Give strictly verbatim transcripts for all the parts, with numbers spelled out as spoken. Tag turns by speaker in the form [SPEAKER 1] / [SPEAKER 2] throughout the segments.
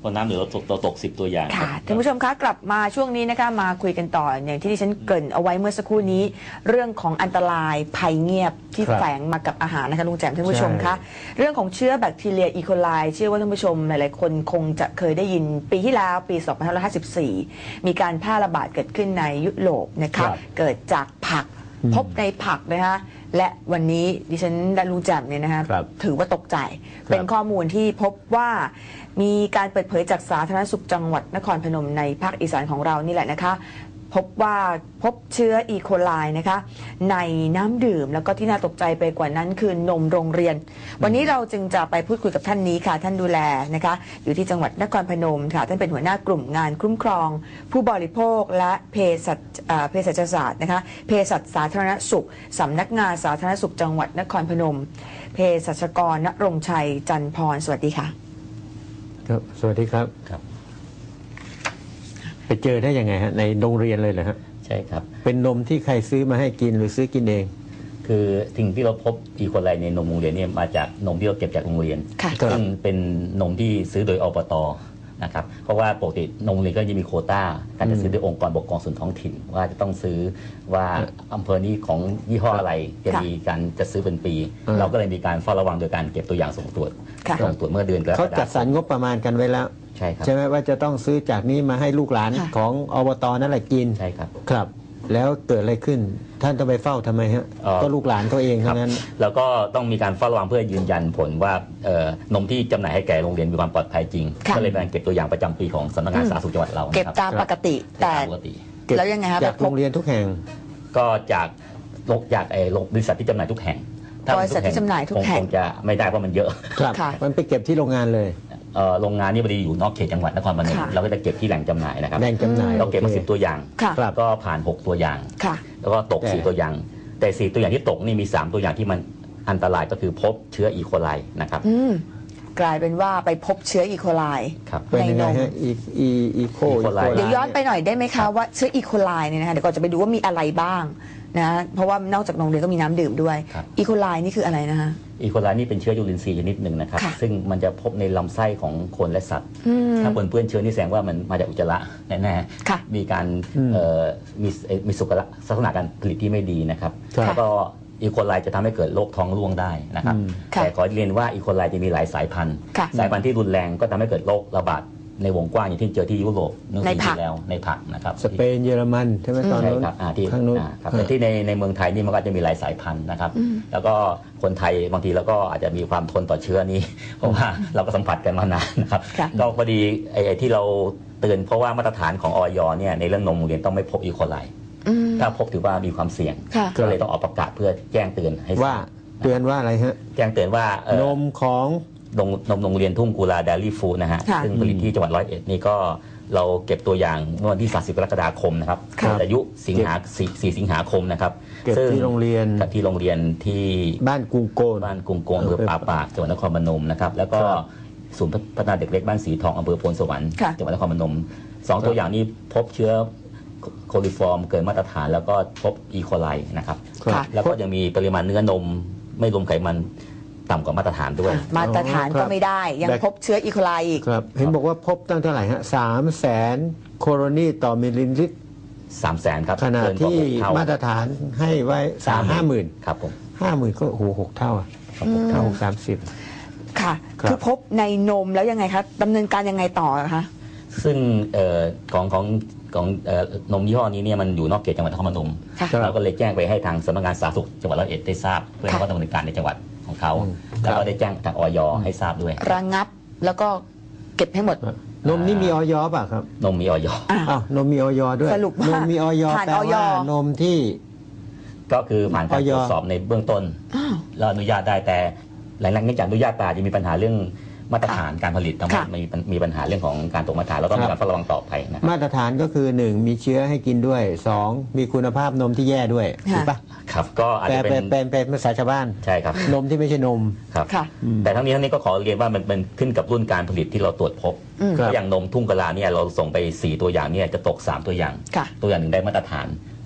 [SPEAKER 1] พอน้ำเหลือเราตกเราตกสิบตัวอย่าง
[SPEAKER 2] ค่ะท่านผู้ชมคะกลับมาช่วงนี้นะคะมาคุยกันต่ออย่างที่ดิฉันเกริ่นเอาไว้เมื่อสักครู่นี้เรื่องของอันตรายภัยเงียบที่แฝงมากับอาหารนะคะลุงแจ่มท่านผู้ชมคะเรื่องของเชื้อแบคทีเรียอีโคไลเชื่อว่าท่านผู้ชมหลายๆคนคงจะเคยได้ยินปีที่แล้วปีสองพันห้าร้อยห้าสิบสี่มีการแพร่ระบาดเกิดขึ้นในยุโรปนะคะเกิดจากผักพบในผักนะคะและวันนี้ดิฉันและลุงแจ่มเนี่ยนะคะถือว่าตกใจเป็นข้อมูลที่พบว่ามีการเปิดเผยจากสาธารณสุขจังหวัดนครพนมในภาคอีสานของเรานี่แหละนะคะพบว่าพบเชื้ออีโคไลนะคะในน้ำดื่มแล้วก็ที่น่าตกใจไปกว่านั้นคือนมโรงเรียนวันนี้เราจึงจะไปพูดคุยกับท่านนี้ค่ะท่านดูแลนะคะอยู่ที่จังหวัดนครพนมค่ะท่านเป็นหัวหน้ากลุ่มงานคุ้มครองผู้บริโภคและเภสัชเภสัชศาสตร์นะคะเภสัชสาธารณสุขสำนักงานสาธารณสุขจังหวัดนครพนมเภสัชกรณรงค์ชัยจันทร์พรสวัสดีค่ะ
[SPEAKER 3] ครับสวัสดีครับครับไปเจอได้ยังไงฮะในโรงเรียนเลยเหรอฮะ
[SPEAKER 1] ใช่ครับ
[SPEAKER 3] เป็นนมที่ใครซื้อมาให้กินหรือซื้อกินเอง
[SPEAKER 1] คือสิ่งที่เราพบอีโคไลในนมโรงเรียนเนี่ยมาจากนมที่เราเก็บจากโรงเรียนซึ่งเป็นนมที่ซื้อโดยอบต.นะครับเพราะว่าปกตินมโรงเรียนก็จะมีโควต้าการจะซื้อโดยองค์กรปกครองส่วนท้องถิ่นว่าจะต้องซื้อว่าอำเภอนี้ของยี่ห้ออะไรจะมีการจะซื้อเป็นปีเราก็เลยมีการเฝ้าระวังโดยการเก็บตัวอย่างส่งตรวจส่งตรวจเมื่อเดือนกรกฎาคม
[SPEAKER 3] เขาจัดสรรงบประมาณกันไว้แล้ว
[SPEAKER 1] ใช่ครับ
[SPEAKER 3] ใช่ไหมว่าจะต้องซื้อจากนี้มาให้ลูกหลานของอบต.นั่นแหละกิน
[SPEAKER 1] ใช่ครับ
[SPEAKER 3] ครับแล้วเกิดอะไรขึ้นท่านต้องไปเฝ้าทำไมฮะก็ลูกหลานเขาเองทั้งนั้น
[SPEAKER 1] แล้วก็ต้องมีการเฝ้าระวังเพื่อยืนยันผลว่านมที่จำหน่ายให้แก่โรงเรียนมีความปลอดภัยจริงก็เลยเป็นเก็บตัวอย่างประจำปีของสำนักงานสาธารณสุขจังหวัดเรา
[SPEAKER 2] เก็บตามปกติแต่แล้วยังไงครับ
[SPEAKER 3] จากโรงเรียนทุกแห่ง
[SPEAKER 1] ก็จากจากไอ้บริษัทที่จำหน่ายทุกแห่ง
[SPEAKER 2] บริษัทที่จำหน่ายทุกแห่ง
[SPEAKER 1] คงจะไม่ได้เพราะมันเยอะ
[SPEAKER 3] ครับมันไปเก็บที่โรงงานเลย
[SPEAKER 1] โรงงานนี่พอดีอยู่นอกเขตจังหวัดนครพนมเราก็จะเก็บที่แหล่งจำหน่ายนะครับ
[SPEAKER 3] แหล่งจำหน่าย
[SPEAKER 1] เราเก็บมาสิบตัวอย่างก็ผ่านหกตัวอย่างแล้วก็ตกสี่ตัวอย่างแต่สี่ตัวอย่างที่ตกนี่มีสามตัวอย่างที่มันอันตรายก็คือพบเชื้ออีโคไลนะครับ
[SPEAKER 2] กลายเป็นว่าไปพบเชื้ออีโคไล
[SPEAKER 3] ในนมอีโคไล
[SPEAKER 2] เดี๋ยวย้อนไปหน่อยได้ไหมคะว่าเชื้ออีโคไลเนี่ยนะคะเดี๋ยวก่อนจะไปดูว่ามีอะไรบ้างนะเพราะว่านอกจากนมเรียนก็มีน้ำดื่มด้วยอีโคไลนี่คืออะไรนะคะ
[SPEAKER 1] อีโคไลนี่เป็นเชื้อจุลินทรีย์ชนิดหนึ่งนะครับซึ่งมันจะพบในลำไส้ของคนและสัตว์ถ้าปนเปื้อนเชื้อนี่แสดงว่ามันมาจากอุจจาระแน่ๆมีการมีมีสุขลักษณะการผลิตที่ไม่ดีนะครับแล้วก็อีโคไลจะทำให้เกิดโรคท้องร่วงได้นะครับแต่ขอเรียนว่าอีโคไลจะมีหลายสายพันธุ์สายพันธุ์ที่รุนแรงก็ทำให้เกิดโรคระบาดในวงกว้างอย่างที่เจอที่ยุโรป
[SPEAKER 2] ในผัก
[SPEAKER 1] แล้วในผักนะครับ
[SPEAKER 3] สเปนเยอรมันใช่ไหมตอนนู้น
[SPEAKER 1] ที่ข้างนู้นแต่ที่ในในเมืองไทยนี่มันก็จะมีหลายสายพันธุ์นะครับแล้วก็คนไทยบางทีเราก็อาจจะมีความทนต่อเชื้อนี้เพราะว่าเราก็สัมผัสกันมานานนะครับก็พอดีไอ้ที่เราเตือนเพราะว่ามาตรฐานของอย.เนี่ยในเรื่องนมโรงเรียนต้องไม่พบอีโคไลถ้าพบถือว่ามีความเสี่ยงก็เลยต้องออกประกาศเพื่อแจ้งเตือนให้
[SPEAKER 3] ว่าเตือนว่าอะไรฮะ
[SPEAKER 1] แจ้งเตือนว่าน
[SPEAKER 3] มของ
[SPEAKER 1] นมนมโรงเรียนทุ่งกุลาเดลี่ฟู้ดนะฮะซึ่งผลิตที่จังหวัดร้อยเอ็ดนี่ก็เราเก็บตัวอย่างเมื่อวันที่สามสิบกรกฎาคมนะครับอายุสิงหาสี่สิงหาคมนะครับ
[SPEAKER 3] เก็บที่โรงเรียน
[SPEAKER 1] ที่โรงเรียนที่
[SPEAKER 3] บ้านกุงโกน
[SPEAKER 1] บ้านกุงโกนอำเภอป่าปากจังหวัดนครพนมนะครับแล้วก็ศูนย์พัฒนาเด็กเล็กบ้านสีทองอำเภอโพนสวรรค์จังหวัดนครพนมสองตัวอย่างนี้พบเชื้อโคลิฟอร์มเกินมาตรฐานแล้วก็พบอีโคไลนะครับแล้วก็ยังมีปริมาณเนื้อนมไม่รวมไขมันต่ำกว่ามาตรฐานด้วย
[SPEAKER 2] มาตรฐานก็ไม่ได้ยังพบเชื้ออีโคไลอีก
[SPEAKER 3] ครับเห็นบอกว่าพบตั้งเท่าไหร่ฮะสามแสนโคโรนีต่อมิลลิลิตร
[SPEAKER 1] สามแสนครับ
[SPEAKER 3] ขณะที่มาตรฐานให้ไว้สามห้าหมื่น
[SPEAKER 1] ครับผม
[SPEAKER 3] ห้าหมื่นก็โอ้โหหกเท่าอ่ะหกเท่าสามสิบ
[SPEAKER 2] ค่ะคือพบในนมแล้วยังไงคะดำเนินการยังไงต่อคะ
[SPEAKER 1] ซึ่งของของของนมยี่ห้อนี้เนี่ยมันอยู่นอกเขตจังหวัดนครพนมเราก็เลยแจ้งไปให้ทางสำนักงานสาธารณสุขจังหวัดร้อยเอ็ดได้ทราบเพื่อให้เขาดำเนินการในจังหวัดของเขาแล้วก็ได้แจ้งทางอย.ให้ทราบด้วย
[SPEAKER 2] ระงับแล้วก็เก็บให้หมด
[SPEAKER 3] นมนี่มีอย.ป่ะครับ
[SPEAKER 1] นมมีอย.
[SPEAKER 3] อ้าวนมมีอย.ด้วย
[SPEAKER 2] สรุปว่าน
[SPEAKER 3] มมีอย.แปลว่านมที่
[SPEAKER 1] ก็คือผ่านการตรวจสอบในเบื้องต้นแล้วอนุญาตได้แต่หลังจากอนุญาตไปจะมีปัญหาเรื่องมาตรฐานการผลิตทั้งหมดมีมีปัญหาเรื่องของการตกมาตรฐานแล้วก็มีการเฝ้าระวังต่อไปนะ
[SPEAKER 3] มาตรฐานก็คือหนึ่งมีเชื้อให้กินด้วยสองมีคุณภาพนมที่แย่ด้วยถูกปะ
[SPEAKER 1] ครับก็อาจจะเป็น
[SPEAKER 3] เป็นเป็นภาษาชาวบ้าน
[SPEAKER 1] ใช่ครับ
[SPEAKER 3] นมที่ไม่ใช่นม
[SPEAKER 1] ครับแต่ทั้งนี้ทั้งนี้ก็ขอเรียนว่ามันเป็นขึ้นกับรุ่นการผลิตที่เราตรวจพบอย่างนมทุ่งกะลาเนี่ยเราส่งไปสี่ตัวอย่างเนี่ยจะตกสามตัวอย่างตัวอย่างหนึ่งได้มาตรฐาน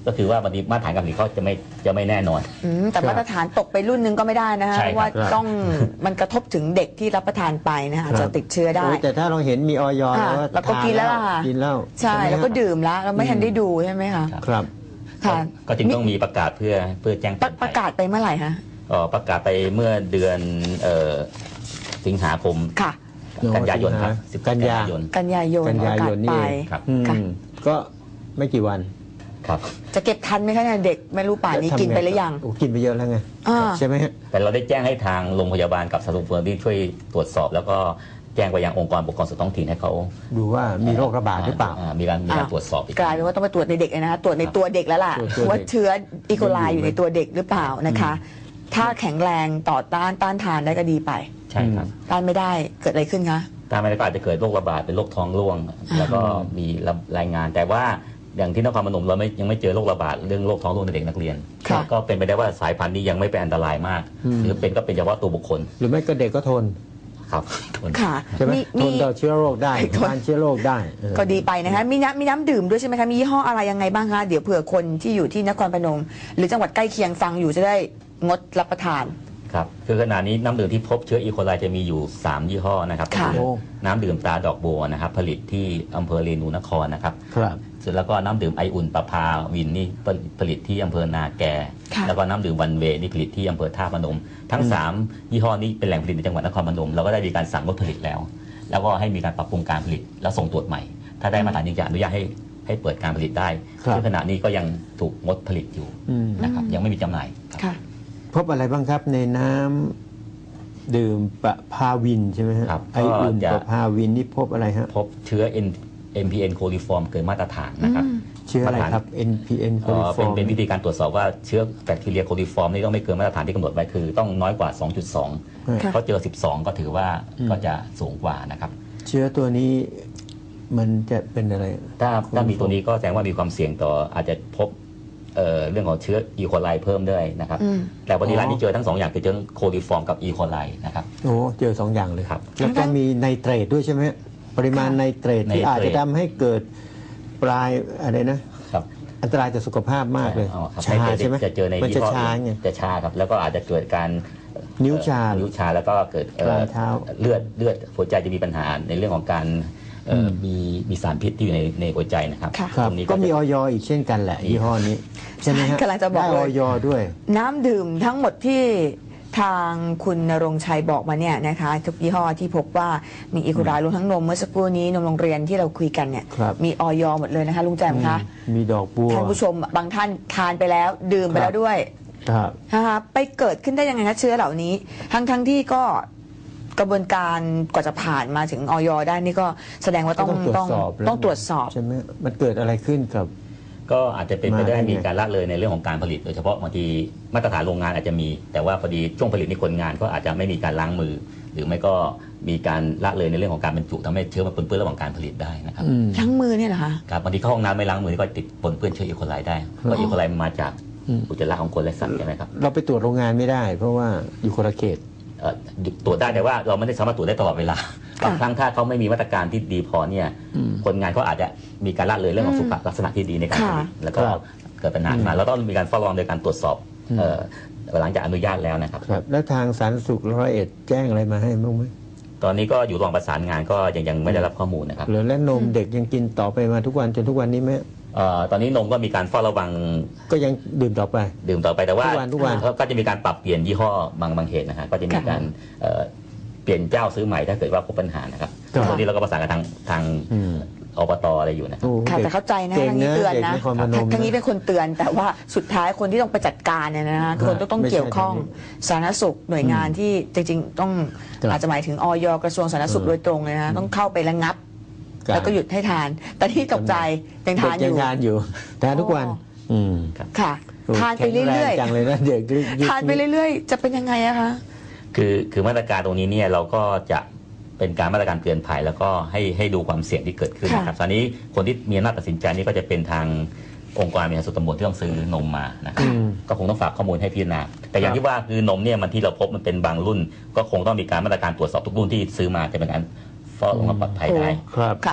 [SPEAKER 1] ก็คือว่าบางทีมาตรฐานการผลิตเขาจะไม่จะไม่แน่นอน
[SPEAKER 2] อืมแต่มาตรฐานตกไปรุ่นหนึงก็ไม่ได้นะฮะ
[SPEAKER 1] ใช่ครับ
[SPEAKER 2] ว่าต้องมันกระทบถึงเด็กที่รับประทานไปนะฮะอาจจะติดเชื้อได้
[SPEAKER 3] โอ้แต่ถ้าเราเห็นมีออย
[SPEAKER 2] อ่า
[SPEAKER 3] แล้ว
[SPEAKER 2] แล้วก็กินแล้วล่ะ
[SPEAKER 3] กินแล้ว
[SPEAKER 2] ใช่
[SPEAKER 3] ไหม
[SPEAKER 2] แล้วก็
[SPEAKER 3] ฮะ
[SPEAKER 2] ดื่มแล้วเราไม่ทันได้ดูใช่ไหมคะ
[SPEAKER 3] ครับ
[SPEAKER 2] ค่ะ
[SPEAKER 1] ก็จึงต้องมีประกาศเพื่อเพื่อแจ้ง
[SPEAKER 2] ป
[SPEAKER 1] เตื
[SPEAKER 2] ระ
[SPEAKER 1] อน
[SPEAKER 2] ประ
[SPEAKER 1] ภัย
[SPEAKER 2] กาศไปเมื่อไหร่ฮะ
[SPEAKER 1] เอ่อประกาศไปเมื่อเดือนเอ่อสิงหาคม
[SPEAKER 2] ค่ะ
[SPEAKER 1] กันยายนครับ
[SPEAKER 3] สิ
[SPEAKER 1] สิ
[SPEAKER 3] บบ กันยา
[SPEAKER 1] ยน
[SPEAKER 2] กันยายน
[SPEAKER 3] กัน
[SPEAKER 2] ประ
[SPEAKER 3] ยาก
[SPEAKER 2] าย ศ
[SPEAKER 3] นนี่
[SPEAKER 2] ไป
[SPEAKER 3] เอง
[SPEAKER 1] ครับ
[SPEAKER 3] อืม
[SPEAKER 2] ค่ะ
[SPEAKER 3] ก็ไม่กี่วัน
[SPEAKER 1] ครับ
[SPEAKER 2] จะเก็บทันไหมคะเนี่ยเด็กไม่รู้ป่านนี้
[SPEAKER 3] ทำ
[SPEAKER 2] กินไปหรือยัง
[SPEAKER 3] โอ้กินไปเยอะแล้วไง
[SPEAKER 2] อ่า
[SPEAKER 3] ใช่ไหมฮะ
[SPEAKER 1] แต่เราได้แจ้งให้ทางโรงพยาบาลกับสถานสุขที่ช่วยตรวจสอบ แล้วก็แจ้งไปยังองค์กรปกครองส่วนท้องถิ่นให้เขา
[SPEAKER 3] ดูว่ามีโรคระบาดหรือเปล่า
[SPEAKER 1] มีการมีการตรวจสอบอีก
[SPEAKER 2] กลายเป็นว่าต้องไปตรวจในเด็กเลยนะคะตรวจในตัวเด็กแล้วล่ะ
[SPEAKER 3] ตรวจตัวเด็ก
[SPEAKER 2] ว่าเชื้ออีโคไลอยู่ในตัวเด็กหรือเปล่านะคะ ถ้าแข็งแรงต่อต้านต้านทานได้ก็ดีไป
[SPEAKER 1] ใช่ครับ
[SPEAKER 2] ต้านไม่ได้เกิดอะไรขึ้นคะ
[SPEAKER 1] ตามมาก็อาจจะเกิดโรคระบาดเป็นโรคท้องร่วง แล้วก็มีรายงาน แต่ว่าอย่างที่นครพนมเราไม่ยังไม่เจอโรคระบาดเรื่องโรคท้องร่วงในเด็กนักเรียน
[SPEAKER 2] ค่ะ
[SPEAKER 1] ก็เป็นไปได้ว่าสายพันธุ์นี้ยังไม่เป็นอันตรายมาก
[SPEAKER 3] อืม
[SPEAKER 1] หรือเป็นก็เป็นเฉพาะตัวบุคคล
[SPEAKER 3] หรือไม่ก็เด็กก็ทน
[SPEAKER 1] ครับทน
[SPEAKER 2] ค่ะ
[SPEAKER 3] ใช่ไหม
[SPEAKER 2] มี
[SPEAKER 3] ท
[SPEAKER 2] มี
[SPEAKER 3] นต่อเชื้อโรคได้
[SPEAKER 2] ทน
[SPEAKER 3] ทานเชื้อโรคได้เออ
[SPEAKER 2] ก็ดีไปนะคะมีน้ำมีน้ำดื่มด้วยใช่ไหมคะมียี่ห้ออะไรยังไงบ้างคะเดี๋ยวเผื่อคนที่อยู่ที่นครพนม หรือจังหวัดใกล้เคียงฟังอยู่จะได้งดรับประทาน
[SPEAKER 1] ครับคือขณะนี้น้ำดื่มที่พบเชื้ออีโคไลจะมีอยู่สามยี่ห้อนะครับ
[SPEAKER 2] ค่ะ
[SPEAKER 1] ก็คือน้ำดื่มตราดอกบัวนะครับผลิตที่อำเภอเรนูนครนะครับ
[SPEAKER 3] ครับ
[SPEAKER 1] เสร็จแล้วก็น้ำดื่มไออุ่นประภาวินนี่ผลิตที่อำเภอนาแก
[SPEAKER 2] ค่ะ
[SPEAKER 1] แล้วก็น้ำดื่มวันเวนี่ผลิตที่อำเภอท่าพนม ทั้งสามยี่ห้อนี้เป็นแหล่งผลิตในจังหวัดนครพนมเราก็ได้มีการสั่งงดผลิตแล้ว แล้วก็ให้มีการปรับปรุงการผลิตแล้วส่งตรวจใหม่ ถ้าได้มาตรฐานจริงจะอนุญาตให้ให้เปิดการผลิตได้
[SPEAKER 3] ครับ
[SPEAKER 1] ซึ่งขณะนี้ก็ยังถูกงดผลิตอยู่
[SPEAKER 3] อืม
[SPEAKER 1] นะครับยังไม่มีจำหน่ายครับ
[SPEAKER 2] ค่ะ
[SPEAKER 3] พบอะไรบ้างครับในน้ำดื่มประพาวินใช่ไหมฮะ
[SPEAKER 1] ครับ
[SPEAKER 3] ไออุ่น
[SPEAKER 1] ก็จะ
[SPEAKER 3] ประพาวินนี่พบอะไรฮะ
[SPEAKER 1] พบเชื้อ เอ็ม พี เอ็น โคลิฟอร์มเกินมาตรฐานนะครับ
[SPEAKER 3] เชื้ออะไรครับ เอ็น พี เอ็น
[SPEAKER 1] เอ่อเป็นเป็นวิธีการตรวจสอบว่าเชื้อแบคทีเรียโคลิฟอร์มนี่ต้องไม่เกินมาตรฐานที่กำหนดไว้คือต้องน้อยกว่า สองจุดสอง
[SPEAKER 2] ค่ะ
[SPEAKER 1] เขาเจอ สิบสอง ก็ถือว่าก็จะสูงกว่านะครับ
[SPEAKER 3] เชื้อตัวนี้มันจะเป็นอะไร
[SPEAKER 1] ถ้าถ้ามีตัวนี้ก็แสดงว่ามีความเสี่ยงต่ออาจจะพบเอ่อเรื่องของเชื้ออีโคไลเพิ่มด้วยนะครับ
[SPEAKER 2] อืม
[SPEAKER 1] แต่วันนี้ร้านนี้เจอทั้งสองอย่างคือเจอโคลิฟอร์มกับอีโคไลนะครับ
[SPEAKER 3] โอ้เจอสองอย่างเลย
[SPEAKER 1] ครับ
[SPEAKER 3] แล้วก็มีไนเตรตด้วยใช่ไหมฮะปริมาณไนเตรตที่
[SPEAKER 1] ไนเตรต
[SPEAKER 3] อาจจะทำให้เกิดปลายอะไรนะ
[SPEAKER 1] ครับ
[SPEAKER 3] อันตรายต่อสุขภาพมากเลย
[SPEAKER 1] อ๋อครับ
[SPEAKER 3] ชา
[SPEAKER 1] ใน
[SPEAKER 3] ใช่ไหม
[SPEAKER 1] จะเจอใน
[SPEAKER 3] มัน
[SPEAKER 1] ยี่
[SPEAKER 3] จะ
[SPEAKER 1] ห้อ
[SPEAKER 3] ชา
[SPEAKER 1] อื่น
[SPEAKER 3] ไง
[SPEAKER 1] จะชาครับแล้วก็อาจจะเกิดการ
[SPEAKER 3] นิ้วชา
[SPEAKER 1] เอ่อนิ้วชาแล้วก็เกิดเอ่อ
[SPEAKER 3] ปลายเท้า
[SPEAKER 1] เลือดเลือดหัวใจจะมีปัญหาในเรื่องของการเอ่ออ
[SPEAKER 3] ม
[SPEAKER 1] มีมีสารพิษที่อยู่ในในหัวใจนะครับ
[SPEAKER 2] ค่ะ
[SPEAKER 3] ครับ
[SPEAKER 1] ตรงนี้
[SPEAKER 3] ก็มี
[SPEAKER 1] จะ
[SPEAKER 3] ออยอีกเช่นกันแหละยี่ห้อนี้ใช่ไหมฮะ
[SPEAKER 2] กำลังจะบอก
[SPEAKER 3] ได้
[SPEAKER 2] เล
[SPEAKER 3] อย อยด้วย
[SPEAKER 2] น้ำดื่มทั้งหมดที่ทางคุณณรงค์ชัยบอกมาเนี่ยนะคะทุกยี่ห้อที่พบว่ามีอีโคไลรวมทั้งนมเมื่อสักครู่นี้นมโรงเรียนที่เราคุยกันเนี่ย
[SPEAKER 3] ครับ
[SPEAKER 2] มีออยหมดเลยนะคะลุงแจมคะ
[SPEAKER 3] มีดอกบัว
[SPEAKER 2] ท่านผู้ชมบางท่านทานไปแล้ว ดื่มไปแล้วด้วย
[SPEAKER 3] ครับ
[SPEAKER 2] นะคะไปเกิดขึ้นได้ยังไงคะเชื้อเหล่านี้ ทั้งทั้งที่ก็กระบวนการกว่าจะผ่านมาถึงออยได้นี่ก็แสดงว่าต้อง
[SPEAKER 3] ก็ต้องตรวจสอบแล้ว
[SPEAKER 2] ต้องตรวจสอบ
[SPEAKER 3] ใช่ไหมมันเกิดอะไรขึ้นกับ
[SPEAKER 1] ก็อาจจะเป็นไปได้
[SPEAKER 3] มาได้ไง
[SPEAKER 1] มีการละเลยในเรื่องของการผลิต โดยเฉพาะบางทีมาตรฐานโรงงานอาจจะมี แต่ว่าพอดีช่วงผลิตนี่คนงานก็อาจจะไม่มีการล้างมือ หรือไม่ก็มีการละเลยในเรื่องของการบรรจุทำให้เชื้อมันปนเปื้อนระหว่างการผลิตได้นะครับ
[SPEAKER 3] อืม
[SPEAKER 2] ทั้งมือเนี่ยเหรอคะ
[SPEAKER 1] ครับบางทีเข้าห้องน้ำไม่ล้างมือก็ติดปนเปื้อนเชื้ออีโคไลได้เพราะอีโคไลมันมาจาก
[SPEAKER 3] อืม
[SPEAKER 1] อุจจาระของคนและสัตว์ใช่ไหมครับ
[SPEAKER 3] เราไปตรวจโรงงานไม่ได้ เพราะว่าอยู่คนละเขต
[SPEAKER 1] เอ่อตรวจได้แต่ว่าเราไม่ได้สามารถตรวจได้ตลอดเวลาบางครั้งถ้าเขาไม่มีมาตรการที่ดีพอเนี่ย
[SPEAKER 3] อืม
[SPEAKER 1] คนงานเขาอาจจะมีการละเลยเรื่องของสุขลักษณะที่ดีในการผลิต
[SPEAKER 2] ค่ะ
[SPEAKER 1] แล้วก็
[SPEAKER 3] ครับ
[SPEAKER 1] เกิดปัญหาขึ้นมาเราต้องมีการเฝ้าระวังโดยการตรวจสอบ
[SPEAKER 3] อืม
[SPEAKER 1] เอ่อหลังจากอนุญาตแล้วนะครับ
[SPEAKER 3] ครับ แล้วทางสาธารณสุขร้อยเอ็ดแจ้งอะไรมาให้บ้างไหม
[SPEAKER 1] ตอนนี้ก็อยู่ระหว่างประสานงานก็ยังยังไม่ได้รับข้อมูลนะครับ
[SPEAKER 3] หรือและนมเด็กยังกินต่อไปมาทุกวันจนทุกวันนี้ไหม
[SPEAKER 1] เอ่อตอนนี้นมก็มีการเฝ้าระวัง
[SPEAKER 3] ก็ยังดื่มต่อไป
[SPEAKER 1] ดื่มต่อไปแต่ว่า
[SPEAKER 3] ทุกวันทุกวัน
[SPEAKER 1] เขาก็จะมีการปรับเปลี่ยนยี่ห้อบางบางเหตุนะฮะก็จะมีการเอ่อเปลี่ยนเจ้าซื้อใหม่ถ้าเกิดว่าพบปัญหานะครับ
[SPEAKER 3] ครับ
[SPEAKER 1] ตอนนี้เราก็ประสานกับทางทาง
[SPEAKER 3] อืม
[SPEAKER 1] อบตอะไรอยู่นะครับ
[SPEAKER 3] โอ้
[SPEAKER 2] ค่ะ
[SPEAKER 3] ด็ก
[SPEAKER 2] แต่เข้าใจนะ
[SPEAKER 3] เก่ง
[SPEAKER 2] ทางนี้
[SPEAKER 3] นะ
[SPEAKER 2] เตือน
[SPEAKER 3] เด็ก
[SPEAKER 2] นะ
[SPEAKER 3] นครพนม
[SPEAKER 2] ทางนี้
[SPEAKER 3] นะ
[SPEAKER 2] เป็นคนเตือน แต่ว่าสุดท้ายคนที่ต้องไปจัดการเนี่ยนะคนต้องต้อง
[SPEAKER 3] ไม่ใช่
[SPEAKER 2] เกี่ยวข้อง
[SPEAKER 3] ทางนี้
[SPEAKER 2] สาธารณสุขหน่วยงานที่จริงๆ ต้อง
[SPEAKER 3] ครับ
[SPEAKER 2] อาจจะหมายถึงออยกระทรวงสาธารณสุข
[SPEAKER 3] อืม
[SPEAKER 2] โดยตรงเลยนะต้องเข้าไประงับ
[SPEAKER 3] ครับ
[SPEAKER 2] แล้วก็หยุดให้ทาน แต่ที่ตกใจยังทานอ
[SPEAKER 3] เด็ก
[SPEAKER 2] ยู่
[SPEAKER 3] ยังทานอยู่ทานทุกวัน
[SPEAKER 2] อ๋อ
[SPEAKER 3] อืม
[SPEAKER 2] ค่ะ
[SPEAKER 3] โอ้
[SPEAKER 2] ทานไปเรื่อย
[SPEAKER 3] แข็งแงจังเลยนะเด็กยุค
[SPEAKER 2] ๆทานไปเรื่อยๆ จะเป็นยังไงอะคะ
[SPEAKER 1] คือคือมาตรการตรงนี้เนี่ยเราก็จะเป็นการมาตรการเตือนภัยแล้วก็ให้ให้ดูความเสี่ยงที่เกิดขึ้นนะครับตอนนี้คนที่มีอำนาจตัดสินใจนี่ก็จะเป็นทางองค์กรบริหารส่วนตำบลที่ต้องซื้อนมมานะครับ
[SPEAKER 3] อืม
[SPEAKER 1] ก็คงต้องฝากข้อมูลให้พิจารณาแต่อย่างที่ว่าคือนมเนี่ยมันที่เราพบมันเป็นบางรุ่น ก็คงต้องมีการมาตรการตรวจสอบทุกรุ่นที่ซื้อมาจะเป็นการเฝ้าระวังความปลอดภัยได้
[SPEAKER 3] ครับ
[SPEAKER 2] ค่ะ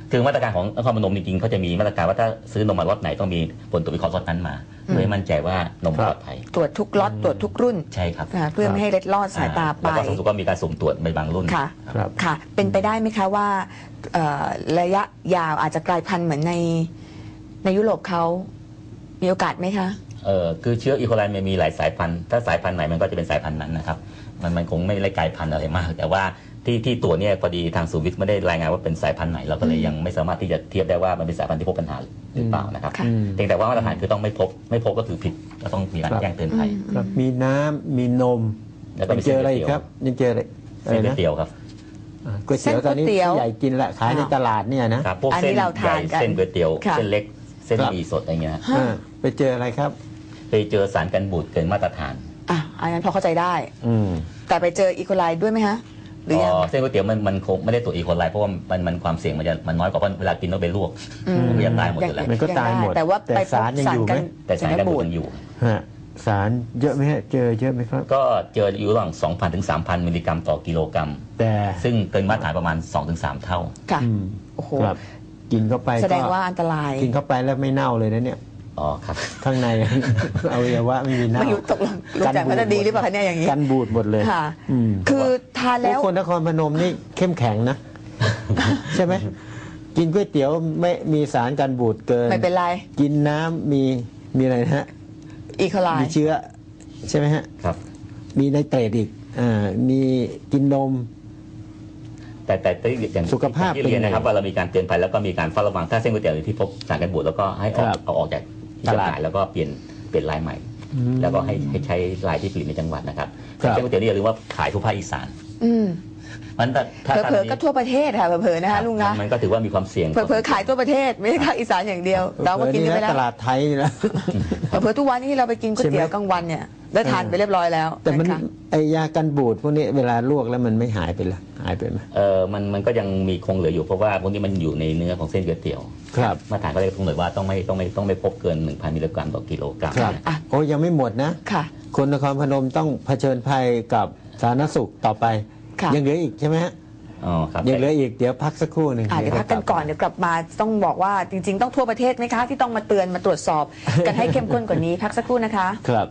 [SPEAKER 1] คือมาตรการของนครพนมจริงๆเขาจะมีมาตรการว่าถ้าซื้อนมมาล็อตไหนต้องมีผลตรวจวิเคราะห์ล็อตนั้นมาเพื่อให้มั่นใจว่านมปลอดภัย
[SPEAKER 2] ตรวจทุกล็อตตรวจทุกรุ่น
[SPEAKER 1] ใช่ครับ
[SPEAKER 2] นะคะเพื่อไม่ให้เล็ดลอดสายตาไป
[SPEAKER 1] แล้วก็สาธารณสุขก็มีการสุ่มตรวจในบางรุ่น
[SPEAKER 2] ค่ะ
[SPEAKER 3] ครับ
[SPEAKER 2] ค่ะ เป็นไปได้ไหมคะว่าเอ่อระยะยาวอาจจะกลายพันธุ์เหมือนในในยุโรปเขามีโอกาสไหมคะ
[SPEAKER 1] เออคือเชื้ออีโคไลมันมีหลายสายพันธุ์ถ้าสายพันธุ์ไหนมันก็จะเป็นสายพันธุ์นั้นนะครับมันมันคงไม่ได้กลายพันธุ์อะไรมาก แต่ว่าที่ที่ตัวเนี่ยพอดีทางศูนย์วิทย์ไม่ได้รายงานว่าเป็นสายพันธุ์ไหนเราก็เลยยังไม่สามารถที่จะเทียบได้ว่ามันเป็นสายพันธุ์ที่พบปัญหาหรือเปล่านะครับ
[SPEAKER 2] ค่ะ
[SPEAKER 1] เพียงแต่ว่ามาตรฐานคือต้องไม่พบไม่พบก็คือผิดก็ต้องมีการแจ้งเตือนภัย
[SPEAKER 3] ครับมีน้ำมีนม
[SPEAKER 1] แล้วก็มี
[SPEAKER 3] เจออะไรอีก
[SPEAKER 1] เส้นก๋วยเตี๋ยว
[SPEAKER 3] ครับยังเจออะไรอะไร
[SPEAKER 1] เส้นก๋วย
[SPEAKER 3] นะ
[SPEAKER 1] เตี๋ยวครับ
[SPEAKER 3] อ่าก๋วยเตี๋ยวตอนนี้
[SPEAKER 2] เส้นก๋วยเตี๋ยว
[SPEAKER 3] ผู้ใหญ่กินละขายในตลาดเนี่ยนะครับ
[SPEAKER 1] พวก
[SPEAKER 2] อันนี้
[SPEAKER 1] เส้น
[SPEAKER 2] เรา
[SPEAKER 1] ใหญ่
[SPEAKER 2] ทานกัน
[SPEAKER 1] เส้นก๋วยเตี๋ยว
[SPEAKER 2] ค่ะ
[SPEAKER 1] เส้นเล็กเส้น
[SPEAKER 3] ครับ
[SPEAKER 1] หมี่สดอะไรเงี้ย
[SPEAKER 2] ฮะ
[SPEAKER 3] อ่าไปเจออะไรครับ
[SPEAKER 1] ไปเจอสารกันบูดเกินมาตรฐาน
[SPEAKER 2] อ่ะอันนั้นพอเข้าใจได้
[SPEAKER 3] อืม
[SPEAKER 2] แต่ไปเจออีโคไลด้วยไหมฮะหรือยัง
[SPEAKER 1] เส้นก๋วยเตี๋ยวมันมันคงไม่ได้ตรวจอีโคไลเพราะว่ามันมันความเสี่ยงมันจะมันน้อยกว่าเพราะเวลากินต้องไปลวก
[SPEAKER 2] อืม
[SPEAKER 1] มันก็จะตายหมดอยู่แล้ว
[SPEAKER 3] มันก็ตายหมด
[SPEAKER 2] แต่ว่า
[SPEAKER 3] แต่
[SPEAKER 2] ไปพบ
[SPEAKER 3] สารยังอยู่ไหม
[SPEAKER 1] แต่สารกันบูดยังอยู่
[SPEAKER 3] ฮะสารเยอะไหมฮะเจอเยอะไหมครับ
[SPEAKER 1] ก็เจออยู่ระหว่าง สองพัน ถึง สามพัน มิลลิกรัมต่อกิโลกรัม
[SPEAKER 3] แต่
[SPEAKER 1] ซึ่งเกินมาตรฐานประมาณ สองถึงสาม เท่า
[SPEAKER 2] ค่ะ
[SPEAKER 3] อืม
[SPEAKER 2] โอ้โห
[SPEAKER 3] ครับกินเข้าไป
[SPEAKER 2] แสดง
[SPEAKER 3] ก็
[SPEAKER 2] ว่าอันตราย
[SPEAKER 3] กินเข้าไปแล้วไม่เน่าเลยนะเนี่ย
[SPEAKER 1] อ๋อครับ
[SPEAKER 3] ข้างใน อวัยวะไม่มีเน่า
[SPEAKER 2] ไม่รู้ตกลงลุงแจ่มเขาจะดีหรือเปล่าคะเนี่ยอย่างนี้
[SPEAKER 3] กันบูดหมดเลย
[SPEAKER 2] ค่ะ
[SPEAKER 3] อืม
[SPEAKER 2] คือทานแล้ว
[SPEAKER 3] โอ้คนนครพนมนี่เข้มแข็งนะ ใช่ไหมกินก๋วยเตี๋ยวไม่มีสารกันบูดเกิน
[SPEAKER 2] ไม่เป็นไร
[SPEAKER 3] กินน้ำมีมีอะไรนะฮะ
[SPEAKER 2] อีโคไล
[SPEAKER 3] มีเชื้อใช่ไหมฮะ
[SPEAKER 1] ครับ
[SPEAKER 3] มีไนเตรตอีกอ่ามีกินนม
[SPEAKER 1] แต่แต่แต่อย่าง
[SPEAKER 3] สุขภาพ
[SPEAKER 1] ที่เรียนนะครับ
[SPEAKER 3] เป็นไง
[SPEAKER 1] ว่าเรามีการเตือนภัยแล้วก็มีการเฝ้าระวังถ้าเส้นก๋วยเตี๋ยวที่พบสารกันบูดแล้วก็ให้เอา
[SPEAKER 3] ครับ
[SPEAKER 1] เอาออกจากที่จำหน่ายแล้วก็เปลี่ยนเปลี่ยนลายใหม่
[SPEAKER 3] อืม
[SPEAKER 1] แล้วก็ให้ให้ใช้ลายที่ผลิตในจังหวัดนะครับ
[SPEAKER 3] ครับ
[SPEAKER 1] เส้นก๋วยเตี๋ยวนี่อย่าลืมว่าขายทั่วภาคอีสาน
[SPEAKER 2] อืม
[SPEAKER 1] มันถ้าถ้า
[SPEAKER 2] เผลอๆก็ทั่วประเทศค่ะเผลอๆนะคะลุง
[SPEAKER 1] ครั
[SPEAKER 2] นะ
[SPEAKER 1] บมันก็ถือว่ามีความเสี่ยง
[SPEAKER 2] เผลอๆขายทั่วประเทศไม่ใช่ภาคอีสานอย่างเดียว เราก็กินกันไป
[SPEAKER 3] เออ
[SPEAKER 2] แล้ว
[SPEAKER 3] ตลาดไทยนี่นะ
[SPEAKER 2] เผลอๆทุกวันนี้เราไปกินก๋วยเตี๋ยว
[SPEAKER 3] ใช่ไหม
[SPEAKER 2] กลางวันเนี่ยได้ทานไปเรียบร้อยแล้ว
[SPEAKER 3] แต่มัน
[SPEAKER 2] นะคะ
[SPEAKER 3] ไอยากันบูดพวกนี้เวลาลวกแล้วมันไม่หายไปละหายไปไหม
[SPEAKER 1] เออมันมันก็ยังมีคงเหลืออยู่เพราะว่าพวกนี้มันอยู่ในเนื้อของเส้นก๋วยเตี๋ยว
[SPEAKER 3] ครับ
[SPEAKER 1] มาตรฐานก็เลยกำหนดว่าต้องไม่ต้องไม่ต้องไม่พบเกิน หนึ่งพัน มิลลิกรัมต่อกิโลกรัม
[SPEAKER 3] ครับ
[SPEAKER 2] อ่ะ
[SPEAKER 3] โอ้ยังไม่หมดนะ
[SPEAKER 2] ค่ะ
[SPEAKER 3] คนนครพนมต้องเผชิญภัยกับสาธารณสุขต่อไป
[SPEAKER 2] ค่ะ
[SPEAKER 3] ยังเหลืออีกใช่ไหมฮะ
[SPEAKER 1] อ๋อครับ
[SPEAKER 3] ยังเหลืออีกเดี๋ยวพักสักครู่หนึ่ง
[SPEAKER 2] อ่ะเดี๋ยวพักกันก่อนเดี๋ยวกลับมาต้องบอกว่าจริง ๆ ต้องทั่วประเทศไหมคะ ที่ต้องมาเตือนมาตรวจสอบ กันให้เข้มข้นกว่านี้พักสักครู่นะคะ
[SPEAKER 3] ครับ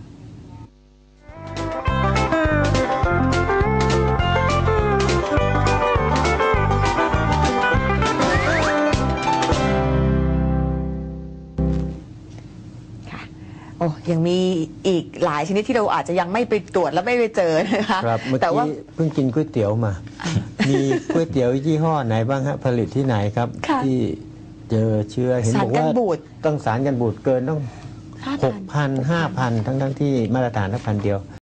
[SPEAKER 2] โอ้ยังมีอีกหลายชนิดที่เราอาจจะยังไม่ไปตรวจและไม่ไปเจอนะคะ
[SPEAKER 3] ครับเมื่อ
[SPEAKER 2] แต่ว่า
[SPEAKER 3] กี้เพิ่งกินก๋วยเตี๋ยวมา มีก๋วยเตี๋ยวยี่ห้อไหนบ้างฮะผลิตที่ไหนครับ
[SPEAKER 2] ค่ะ
[SPEAKER 3] ที่เจอเชื้อเห็น
[SPEAKER 2] สาร
[SPEAKER 3] บอก
[SPEAKER 2] กัน
[SPEAKER 3] ว่า
[SPEAKER 2] บูด
[SPEAKER 3] ต้องสารกันบูดเกินต้อง
[SPEAKER 2] ห้า
[SPEAKER 3] ห
[SPEAKER 2] พั
[SPEAKER 3] ก
[SPEAKER 2] น
[SPEAKER 3] พันห้าพันทั้งทั้งที่มาตรฐานทั้งพันเดียว